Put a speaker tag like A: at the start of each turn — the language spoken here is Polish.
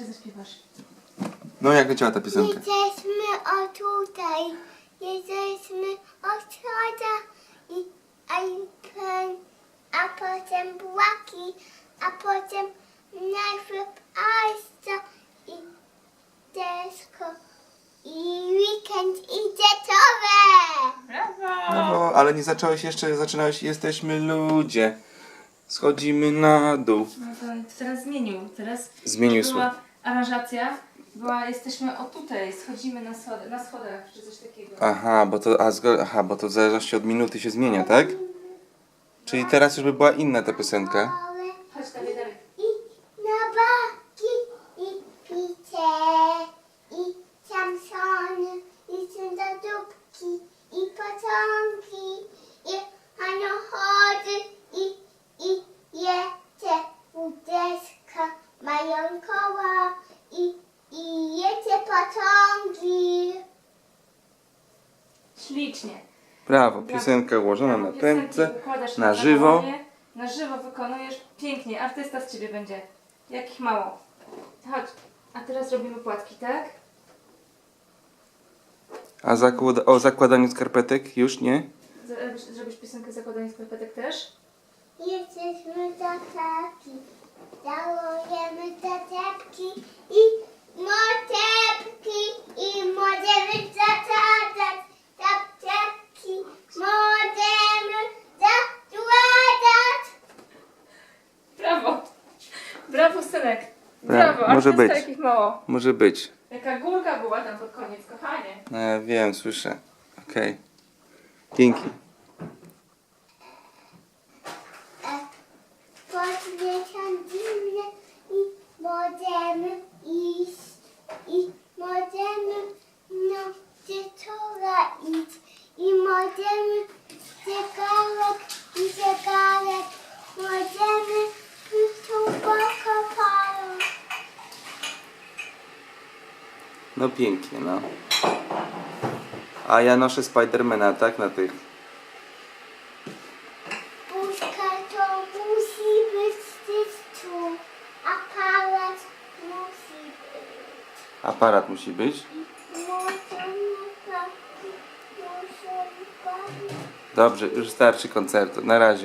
A: czy zaśpiewasz?
B: No jak leciała ta piosenka?
C: Jesteśmy o tutaj, jesteśmy o środa i a potem bułaki, a potem najpierw ajsta i desko i weekend i dzieciowe.
A: Brawo!
B: No, ale nie zacząłeś jeszcze, zaczynałeś jesteśmy ludzie. Schodzimy na dół.
A: No to teraz zmienił. Teraz
B: Zmienił
A: była aranżacja. Jesteśmy o tutaj, schodzimy na schodach, czy coś takiego.
B: Aha, bo to w zależności od minuty się zmienia, tak? Czyli teraz już by była inna ta piosenka.
A: Chodź dalej, dalej.
C: I na baki, i picie, i Samsony, i cyndadubki, i pociągi, i samochody, i jedzie łódeczka, mają koła, i jedzie pociągi.
A: Ślicznie.
B: Brawo, piosenka ułożona na prędce,
A: Układasz
B: na żywo.
A: dłonie, na żywo wykonujesz. Pięknie, artysta z ciebie będzie. Jak ich mało. Chodź. A teraz robimy płatki, tak?
B: A o zakładaniu skarpetek już nie?
A: Zrobisz piosenkę zakładania skarpetek też?
C: Jesteśmy tataki, żałujemy tateczki i moteczki i możemy zasadać tateczki, możemy zakładać.
A: Brawo! Brawo, synek!
B: Brawo,
A: Brawo,
B: może
A: artysta,
B: być.
A: jakich mało.
B: Może być.
A: Jaka górka była tam pod koniec, kochanie.
B: No ja wiem, słyszę. Okej. Dzięki.
C: Podniesiemy i możemy iść i możemy na dzieciora iść i możemy zegarek, możemy tu pokopać.
B: No pięknie, no. A ja noszę Spidermana, tak? Na tych.
C: Puszka to musi być gdzieś tu, aparat musi być.
B: Aparat musi być. Dobrze, już starczy koncertu. Na razie.